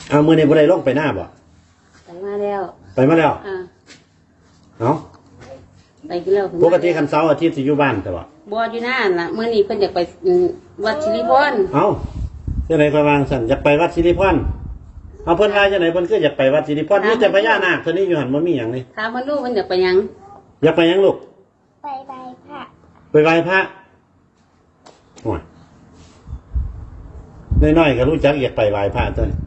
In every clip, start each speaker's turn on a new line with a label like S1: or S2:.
S1: เอามือในบ่ได้ลงไปหน้าบ่
S2: ไปมาแล้ว
S1: เนาะ
S2: ไปกินแล้ว
S1: ปกติคันเสาร์อาทิตย์สิอยู่บ้านแต่ว่า
S2: บ่อยู่นั่นล่ะมื้อนี้เพิ่นอยากไปวัดสิริพร
S1: เอ้าจังได๋ค่อยวางซั่นอยากไปวัดสิริพรเอาเพิ่นว่าจังได๋เพิ่นคืออยากไปวัดสิริพรมีแต่พญานาคเท่านี้อยู่หั่นบ่มีหยังนี่
S2: ถามเพิ่นดูเพิ่นอยากไปหยัง
S1: อยากไปหยังลูก
S3: ไปไหว้พระ
S1: ไปไหว้พระโอ้ยน้อยๆก็รู้จักอยากไปไหว้พระตัวนี้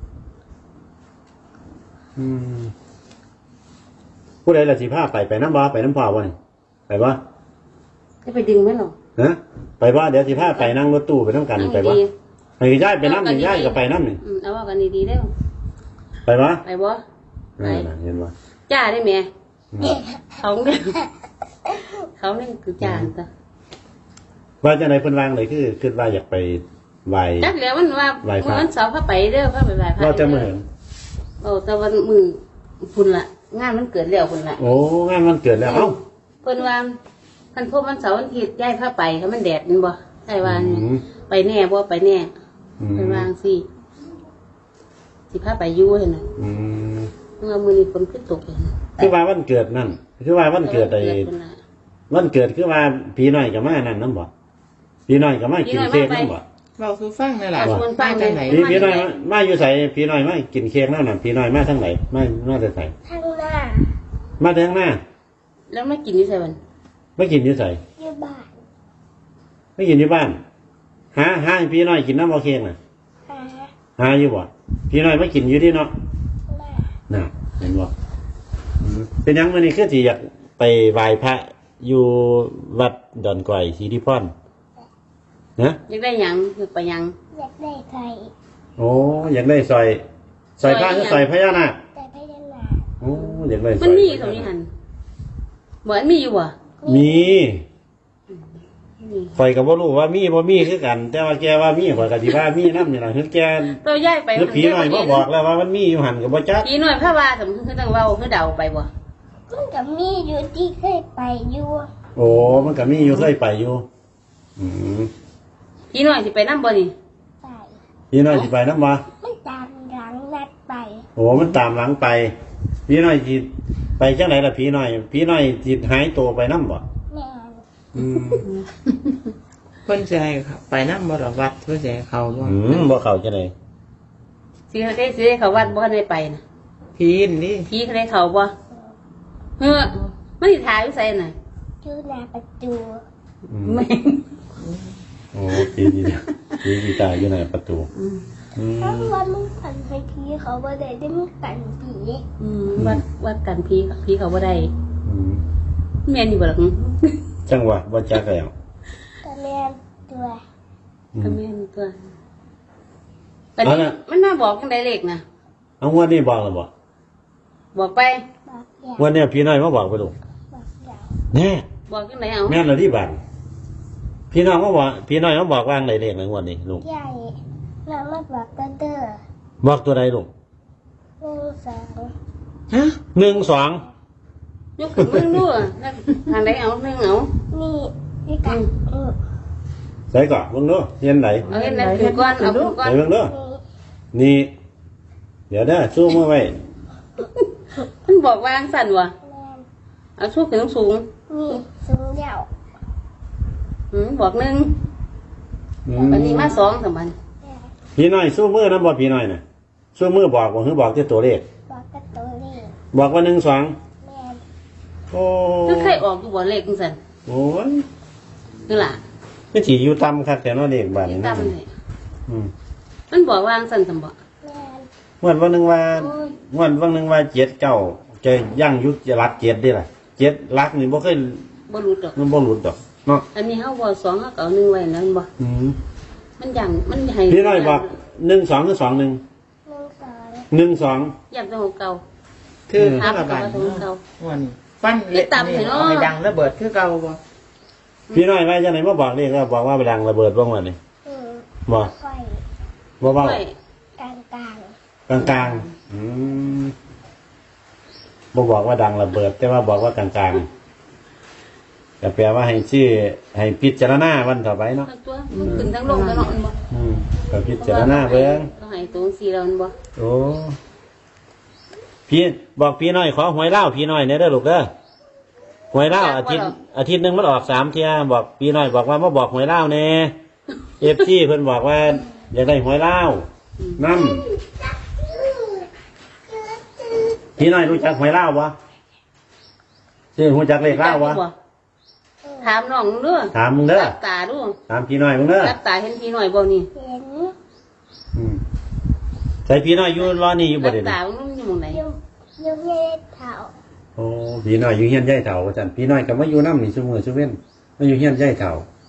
S1: ผู้ใดล่ะสิพาไปน้ำบ่ไปน้ำพ่อบ่นี่ไปบ่
S2: จะไปดึงมั้ยหรอ
S1: ฮะไปบ่เดี๋ยวสิพาไปนั่งรถตู้ไปนำกันไปบ่ให้ย้ายไปนำนี่ย้ายก็ไปนำนี่
S2: เอาว่ากันดีๆเด้อ
S1: ไปบ่
S2: ไปบ่
S1: ไปเห็นบ่
S2: จ้าได้แม่เขาเนี่ยคือจ้าจ้ะ
S1: ว่าจังได๋เพิ่นวางเลยคือว่าอยากไปไหว้
S2: จักแล้วมันว่ามื้อเสาร์พาไปเด้อพาไปไหว้พระ
S1: เราจะมื้อ
S2: แต่วันมื้อพุ่นล่ะงานมันเกิดแล้วพุ่นล่ะ
S1: โอ้งานมันเกิดแล้วเอ้า
S2: เพิ่นว่าคันพวกมันเสาร์วันอาทิตย์ย้ายพาไปถ้ามันแดดมันบ่ได้ว่าไปแน่บ่ไปแน่เพิ่นวางสิพาไปอยู่หั่นน่ะเมื่อมื้อนี้ฝนขึ้นตกเลย
S1: คือว่าวันเกิดนั่นคือว่าวันเกิดวันเกิดคือว่าพี่น้อยก็มานั่นนำบ่พี่น้อยก็มากินเค้กนำบ่
S4: เราคือฟังนั่นแหละ
S2: ว่าฟังจังไหน
S1: พี่น้อยมาอยู่ไสพี่น้อยมากินเค้กนั่นน่ะพี่น้อยมาทางไหนมาแต่ไส
S3: ทางหน้า
S1: มาทางหน้า
S2: แล้วมากินอยู่ไสบัด
S1: ไม่กินอยู่ไส
S3: อยู่บ้าน
S1: ไม่กินอยู่บ้านหาให้พี่น้อยกินน้ำบ่เค้กน่ะหาอยู่บ่พี่น้อยมากินอยู่ที่เนาะน่ะเห็นบ่เป็นยังมื้อนี้คือสิอยากไปไหว้พระอยู่วัดดอนก่อยสิริพรนะ
S2: อยากได้หยังอยากไปหยัง
S3: อยากได้ไข่
S1: โอ้อยากได้ซอยพระคือซอยพญานาค
S3: ซอยพญานาค
S1: โอ้อยากได้
S2: มันมีตรงนี้หั่นบ่มีอยู่บ่
S1: มีข่อยก็บ่รู้ว่ามีบ่มีคือกันแต่ว่าแกว่ามีข่อยก็สิว่ามีนำนี่ล่ะคือแก
S2: ตัวย้ายไป
S1: คือผีน้อยมาบอกแล้วว่ามันมีอยู่หั่นก็บ่จัก
S2: ผีน้อยพาว่าสมมุติคือต้องเว้าคือเดาไปบ่
S3: มันก็มีอยู่ที่เคยไปอยู่
S1: โอ้มันก็มีอยู่เคยไปอยู่
S2: ผีน้อยสิไปนำบ่นี่
S3: ไป
S1: ผีน้อยสิไปนำบ่
S3: มันตามหลังนัดไป
S1: โอ้มันตามหลังไปผีน้อยสิไปจังได๋ล่ะผีน้อยสิหายตัวไปนำบ่
S3: แม่
S4: เพิ่นสิให้ไปนำบ่ดอกวัดเพิ่นสิให้เข้าบ่
S1: บ่เข้าจังได๋
S2: สิได้เข้าวัดบ่ได้ไปน่ะ
S4: ผีนี่
S2: ผีได้เข้าบ่มันสิถ่ายอยู่ไสน่ะ
S3: อยู่หน้าประตู
S2: แม่
S1: โอ้ผีตายอยู่หน้าประตู
S3: เพราะว่ามึงกันให้ผีเขาบ่ได้ได้มึงกันผี
S2: วัดกันผีเขาบ่ได้แม่นอยู่บ่ล่ะ
S1: จังหวะบ่จักแล้ว
S3: ก็แม่นตัว
S2: อันนี้มันมาบอกจังได๋เลขน่ะ
S1: เอางวดนี้บอกแล้วบ่
S2: บอกไป
S1: วันนี้พี่น้อยมาบอกไปลูกแน่
S2: บอกจังได๋เอา
S1: แม่นแล้วที่บ้านพี่น้อยมาบอกว่าจังได๋เลขในงวดนี้ลูก
S3: ใหญ่แล้วมาบอกกันเด้อ
S1: บอกตัวใดลูก
S3: 1 2ฮะ
S1: 1 2
S2: ยกขึ้นมึงดูทางใดเอา1เอา
S3: นี่กัน
S1: ใส่ก่อนเบิ่งดูเห็นไหน
S2: เอาเห็นไหนขึ้นก่อนเอาขึ้นก่อน
S1: เบิ่งดูนี่เดี๋ยวเด้อซูมมาไว้
S2: มันบอกว่าจังซั่นว่ะเอาสู้ขึ้นสูง
S3: นี่สูงยาว
S2: บอก1วันนี้มา2ซั่นบัด
S1: พี่น้อยสู้มือนำบ่พี่น้อยน่ะสู้มือบอกบ่คือบอกแต่ตัวเลข
S3: บอกแต่ตัวเลข
S1: บอกว่า1 2
S3: แม่น
S1: โอ้
S2: คือเคยออกอยู่บ่เลขจังซั่น
S1: โอ้ย
S2: คือล่ะ
S1: คือสิอยู่ต่ำคักแต่เนาะเลขบ้านนี้
S2: ต่ำนี่มันบอกว่าจังซั่นซั่นบ่
S1: วันนึงว่า7 9จะยั่งยุคจะรัก7ได้ล่ะ7รักนี่บ่เคย
S2: บ่หลุดดอก
S1: มันบ่หลุดดอกเนาะ
S2: อันนี้เฮาบ่2เฮาก็เอา1ไว้นั่นบ่มันยั่งมันให้
S1: พี่น้อยบอก1 2หรือ2 1 1 2
S2: ยับของเก่า
S4: คือถ้าระบาดวันฟันเล็กนี่เอาให้ดังระเบิดคือเก่าบ่
S1: พี่น้อยว่าจังได๋มาบอกเลขแล้วบอกว่าไปดังระเบิดบ่ว่านี่บ่บ่เว้ากลางบ่บอกว่าดังระเบิดแต่ว่าบอกว่ากลางๆก็แปลว่าให้ชื่อให้พิจารณาวันต่อไปเนาะ
S2: ตัวมันขึ้นทั้งลงทั้งนอนบ่
S1: ก็พิจารณาเบิ่ง
S2: ให้ให้ตรงสีเราบ่
S1: โอ้พี่บอกพี่น้อยขอหวยเล่าพี่น้อยเนี่ยเด้อลูกเด้อหวยเล่าอาทิตย์หนึงมันออก3เที่ยบอกพี่น้อยบอกว่ามาบอกหวยเล่าแน่FC เพิ่นบอกว่าอยากได้หวยเล่านำพี่น้อยรู้จักหวยเล่าบ่ชื่อรู้จักเลขเล่าบ่
S2: ถามน้องเด้อ
S1: ถามมึงเด้อ
S2: รับตาดู
S1: ถามพี่น้อยมึงเด้อ
S2: รับตาเห็นพี่น้อยบ่นี่
S3: เห็น
S1: ใส่พี่น้อยอยู่รอนี่อยู่บ่
S2: รับ
S1: เด้
S2: ตามันอยู่หม่องไหน
S3: ยังเห็นเท้า
S1: โอ้พี่น้อยอยู่เฮียนยายเฒ่าว่าซั่นพี่น้อยก็มาอยู่นำนี่ซุมื้อซุเว้นมาอยู่เฮียนยายเฒ่า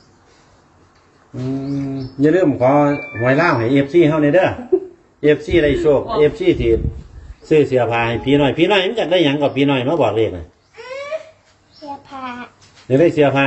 S1: อย่าลืมขอหวยเล่าให้ FC เฮาหน่อยเด้อ FC ได้โชค FC ที่ซื้อเสื้อผ้าให้พี่น้อยมันอยากได้หยังกับพี่น้อยมาบอกเลขน่ะ
S3: เสื้อผ้า
S1: อยากได้เสื้อผ้า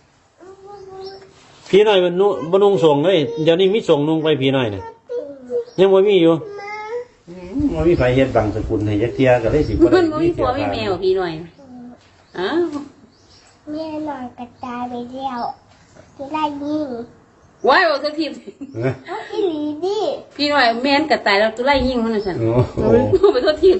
S1: พี่น้อยมันบ่นุ่งส่งเลยเดี๋ยวนี้มีส่งนุ่งไปพี่น้อยน่ะยังบ่มีอยู่บ่มีไผเฮ็ดบังสกุลให้จักเที่ยก็เลยสิบ่ได้
S2: มันบ่มีผัวมีแมวพี่น้อยอ้าว
S3: แม่นอนกระจายไปแล้วจะได้ยิง
S2: ว้ายบ่ทันที
S1: นะ
S3: เอาอีหลีดิ
S2: พี่น้อยแม่นก็ตายแล้วตัวไล่ยิงมันน่ะซั่น
S1: โอ้โห
S2: ไปโทษที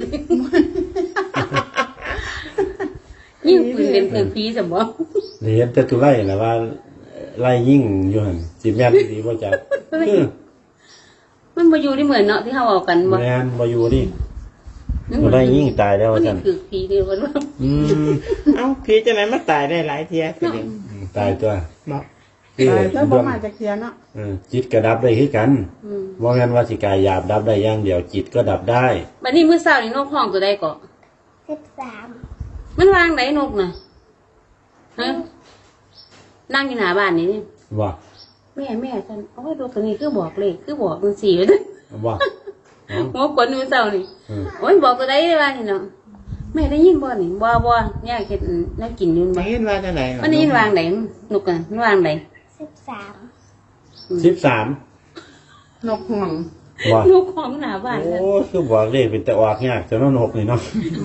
S2: ยิงปืนเป็นปืนผีซั่นบ่
S1: เห็นแต่ตุไล่น่ะว่าไล่ยิ่งอยู่หั่นสิแม่นสิบ่จัก
S2: มันบ่อยู่ที่เหมือนเนาะที่เฮาเอากันบ่
S1: แม่นบ่อยู่นี่ตุไล่ยิ่งตายแล้ว
S2: มัน
S1: ซั่น
S2: คือผีนี่ว่า
S4: เอ้าพี่จะไหนมาตายได้หลายเที่ยคือเด็ก
S1: ตายตัว
S4: บอก
S1: คือ
S4: ตายแล้วบ่มาจากเที่ยเนาะ
S1: จิตก็ดับได้คือกัน
S2: อืม
S1: บ่แม่นว่าสิกายหยาบดับได้อย่างเดียวจิตก็ดับได้
S2: บัดนี้มื้อเช้านี่นกห้องตัวใดก็
S3: 13
S2: มันวางไหนนกน่ะฮะนั่งอยู่หน้าบ้านนี่
S1: ว่า
S2: แม่ฉันโอ้ยดูตัวนี้คือบอกเลขคือบอกมัน4เลย
S1: ว่า
S2: หัวคนมื้อเช้านี่
S1: อืม
S2: โอ้ยบอกตัวใดได้ว่านี่เนาะแม่ได้ยินบ่นี่บ่เนี่ยเฮ็ดแนวกินอยู่
S4: ไม่
S2: บ่
S4: เห็นว่าจังได๋
S2: มันได้ยินวางไหนนกอ่ะมันวางไหน
S3: 13
S1: 13
S4: นกห่วง
S1: ว่าน
S2: กของหน้าบ้าน
S1: โอ้
S2: น่ะ
S1: คือบอกเลขเป็นแต่ออกยากแต่นกนี่เนาะ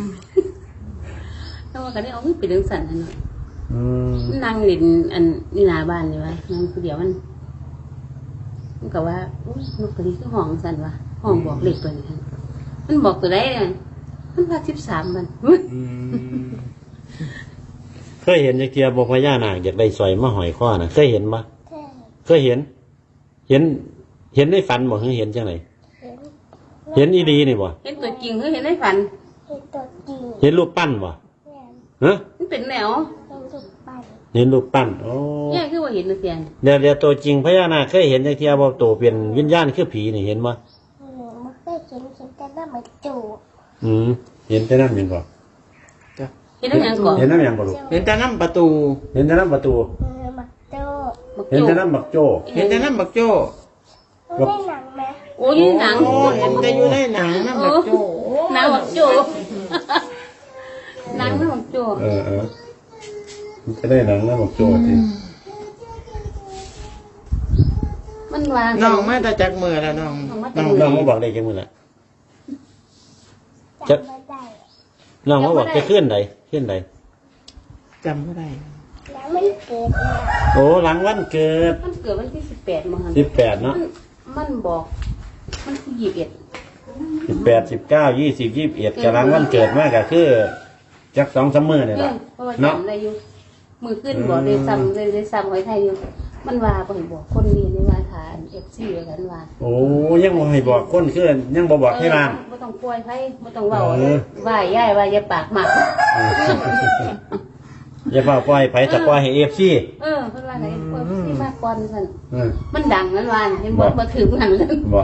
S2: แต่ว่าก็ได้เอาไปเรื่องสั่นน่ะเนาะ
S1: อืม
S2: นั่งเล่นอันนี่หน้าบ้านนี่วะนั่งผู้เดียวมันก็ว่าอุ๊ยนกตัวนี้คือห้องสั่นวะห้องบอกเลขตัวนี้หั่นมันบอกตัวใดเนี่ยมันว่า13มัน
S1: อืมเคยเห็นจักเที่ยบ่พญานาคอยากได้สร้อยมาห้อยคอน่ะเคยเห็นบ่
S3: เท่
S1: เคยเห็นในฝันบ่คือเห็นจังได๋
S3: เห็น
S1: เห็นอีดีนี่บ่
S2: เห็นตัวจริงคือเห็นในฝัน
S3: เห็นตัวจริง
S1: เห็นรูปปั้นบ่
S3: แม่น
S1: ฮะ
S2: มันเป็นแนว
S3: เห็นรูปปั้น
S1: เห็นรูปปั้นโอ้
S2: แย่คือว่าเห็นนะเสียน
S1: เดี๋ยวตัวจริงพญานาคเคยเห็นจักเที่ยบ่โตเป็นวิญญาณคือผีนี่เห็นบ่
S3: ไม่เคยเห็นแต่หน้ามันจูบ
S1: เห็นแต่นั้นแม่นบ่
S2: เห็นน้ำหยังก่อน
S1: เห็นน้ำหยังบ่ลูก
S4: เห็นแต่น้ำประตู
S1: เห็นแต่น้ำประตู
S3: มันโต
S2: บัก
S1: เห็น
S2: โจ
S1: แต่น้ำบักโจ้
S4: เห็นแต่น้ำบักโจ้
S3: มันได้หนังไหม
S2: โอ้ยหนัง
S4: โอ้เห็นแต่อยู่ในหนังน้ำบักโจ้
S2: หนังบักโจหนังน้ำบักโจ
S1: มันจะได้หนังน้ำบักโจ้สิ
S2: มันวาง
S4: น้องมาแต่จากมือแล้วน้อง
S1: น้องมาบอกได้จังมื้อละ
S3: จำไม่ได้
S1: น้องมาบอกจะขึ้นใด
S4: จำไม่ได้
S3: แล้วมันเกิดเนี่ย
S1: โอ้หลังวันเกิด
S2: มันเกิดวันที่18มั้ง
S1: 18เนาะ
S2: มันบอกมันคือ
S1: 18 19 20 21กำลังวันเกิดมากก็คือจัก2-3มื้อนี่
S2: 21
S1: ล่ะ
S2: เพราะว่า
S1: เนาะ
S2: จำได้อยู่มือขึ้นบอกเลยซ้ำหอยไทยอยู่มันว่าบ่ให้บอกคนเรียนในว่าฐาน FC ไว้กันว่า
S1: โอ้ยังบ่ให้บอกคนคือยังบ่บอกให้บ้าน
S2: บ่ต้องป่วยไผบ่ต้องเว้าว่าย่ายว่าอย่าปากหมัก
S1: อย่าเฝ้าปล่อยไผจะปล่อยให้ FC
S2: เพิ่นว่าไหนป่วยสิมากก่อนซั่น
S1: เออ
S2: มันดังนั้นว่าเห็นบ่ถึงนั่นเลย
S1: บ่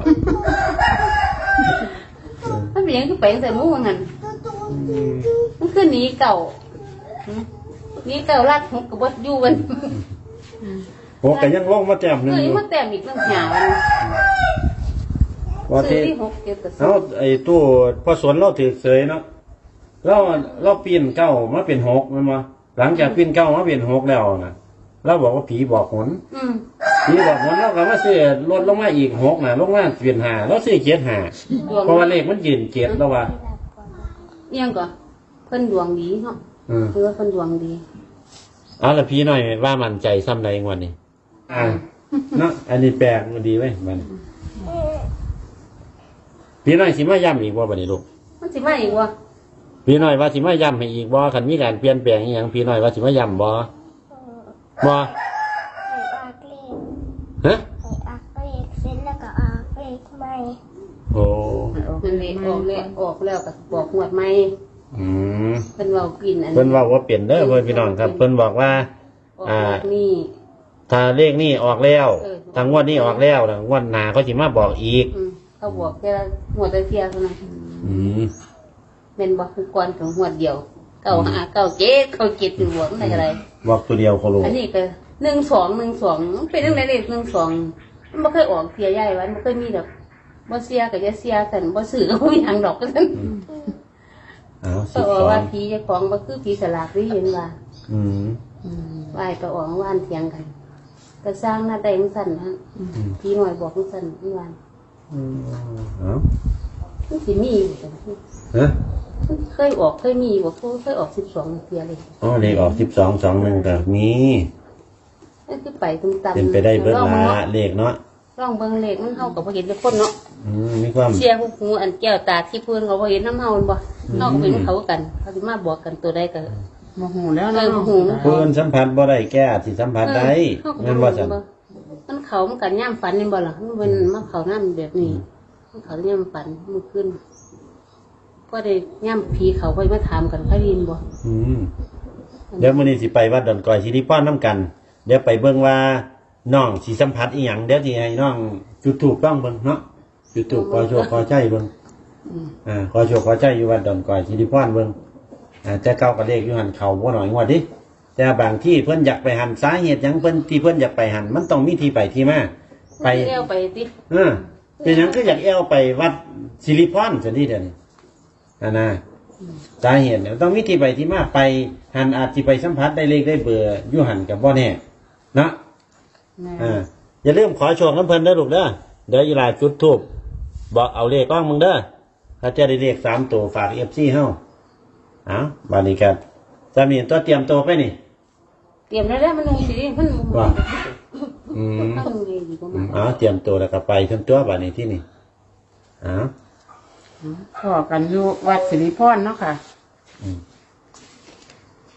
S2: มันเป็นหยังคือไปจังซี่หมู่ว่างั้นมันคือหนีเก่าหนีเก่ารักหกก็บ่อยู่กัน
S1: โหก็ยังลงมาแต้มหนึง
S2: เอ้
S1: อย ยู่
S2: มาแต้มอีกตั้งหาวัน
S1: ว่า
S2: ซื้
S1: ที่
S2: อที่6เก็บก็ซื้
S1: เอาไอ้ตู้พอสวนเราถือเสยเนาะเราปีนเก้ามาเป็น6แม่นบ่หลังจากปีนเก้ามาเป็น6แล้วน่ะเราบอกว่าผีบอกหน ผีบอกหนเราก็มาซื้อลดลงมาอีก6น่ะลงมาเป็น5เราซื้อ7 5เพราะว่าเลขมันยืน7แล้วว่า
S2: เอียงก่อนเพิ่นดวงดีเนาะ
S1: ม
S2: คือว่าเพิ่นดวงดี
S1: เอาละพี่หน่อยว่ามั่นใจซ้ำใดงวดนี้เนาะอันนี้แปลกมันดีเว้ยมัน
S3: เออ
S1: พี่น้อยสิมาย้ำอีกบ่บัดนี้ลูก
S2: มันสิมาอีกวะ
S1: พี่น้อยว่าสิมาย้ำให้อีกบ่คันมีการเปลี่ยนแปลงอีหยังพี่น้อยว่าสิมาย้ำบ่บ่
S3: ให้อากเลข
S1: ฮะ
S3: ให้อากเลขเสร็จแล้วก็อากเลขใหม่
S1: โอ้
S2: มันเลยออกแล้วก็บอกหวดใหม่
S1: อืม
S2: เพิ่นเว้ากินอัน
S1: เพิ่นว่าเปลี่ยนเด้อเพิ่นพี่น้องครับเพิ่นบอกว่า
S2: ออกนี่
S1: ถ้าเลขนี้ออกแล้ว
S2: เออ
S1: ทางงวดนี้ออกแล้วงวดหน้าเขาสิมาบอกอีก
S2: เขาบอกแค่หวดเทียเท่านั้น
S1: อืม
S2: เป็นบอกคือก่อนของหวดเดียวเก้าหาเก้าเจ็ดเขาเจ็ดอยู่บวกอะไรอะไร
S1: บอกตัวเดียวเขารู้
S2: อันนี้ก็12มันเป็นเรื่องไหนเลข12มันไม่เคยออกเสียใหญ่วันไม่เคยมีดอกบ่เสียก็จะเสียกันบ่ซื้อก็บ่มีทางดอกก็ซั่น
S1: อ้าว
S2: ก็บอกว่าผีเจ้าของบ่คือผีสลากที่เห็นว่า
S1: อืม
S2: ไหว้ก็ออกว่านเถียงกันก็สร้างหน้าแดงสั่นฮะผีหน่อยบอกสั่นเมื่อวาน
S1: เอ้า
S2: มันสิมีอยู่จังซี่
S1: ฮะ
S2: เคยออกเคยมีบ่เคยออก12เที่ยเลย
S1: อ๋อเลขออก1221ก็มี
S2: นั่นคือไปตุ้มตำ
S1: เป็นไปได้เบิด
S2: ลอง
S1: ละเลขเนาะ
S2: ลองเบิ่งเลขมันเฮาก็บ่เห็นเป็นคนเนาะ
S1: มีความ
S2: เสียหูอันแก้วตาที่เพิ่นเขาบ่เห็นน้ำเฮามันบ่เฮาก็เป็นเขากันเขาสิมาบอกกันตัวใดก็
S4: โมโหแล้ว
S2: เอ
S4: นะ
S2: อโมโหนะ
S1: เพิ่นสัมผัสบ่ได้แก้สิสัมผัสได้
S2: เฮาก็
S1: แม่น
S2: บ่
S1: บ่
S2: รู้
S1: ซั่น
S2: มันเขามันกันย่ามฝันนี่บ่ล่ะมันเป็นมาเขาน้ำแบบนี้มันเขาย่ามฝันมันขึ้นก็ได้ย่ามผีเขาไปมาถามกันเขายินบ่
S1: อืมเดี๋ยวมื้อนี้สิไปวัดดอนกอยสิริพรนํกัน เดี๋ยวไปเบิ่งว่าน้องสิสัมผัสอีหยังเดี๋ยวสิให้น้องจุดธูปต้องเบิ่งเนาะจุดธูปขอโชคขอใจเบิ่งขอโชคขอใจอยู่วัดดอนกอยสิริพรเบิ่งแต่เก่าก็เลขอยู่หั่นเขาบ่น้อยงวดดิแต่บางที่เพิ่นอยากไปหันสาเหตุหยังเพิ่นที่เพิ่นอยากไปหันมันต้องมีที่ไปที่มาไป
S2: เลี้ยวไปติ
S1: เป็นหยังคืออยากแอวไปวัดสิริพรจังซี่เด้อนี่นะสาเหตุเนี่ยต้องมีที่ไปที่มาไปหันอาจสิไปสัมผัสได้เลขได้เบอร์อยู่หันกับบ่แน่เนาะ อย่าลืมขอโชคน้ำเพลินเด้อลูกเด้อเดี๋ยวอีหลาจุดทูบบอกเอาเลขก้องมึงเด้อถ้าจะได้เลข3 ตัวฝากFCเฮาเอาบานี้กันจำนี่ตัวเตรียมตัวไปนี่
S2: เตรียมแล้วมันลงสิเพิ่น
S1: ว่า
S2: ตั้งเลยดีกว่ามา
S1: เตรียมตัวแล้วก็ไปทั้งตัวบานี้ที่นี่เอา
S4: พอกันอยู่วัดสิริพรเนาะค่ะ
S1: อืม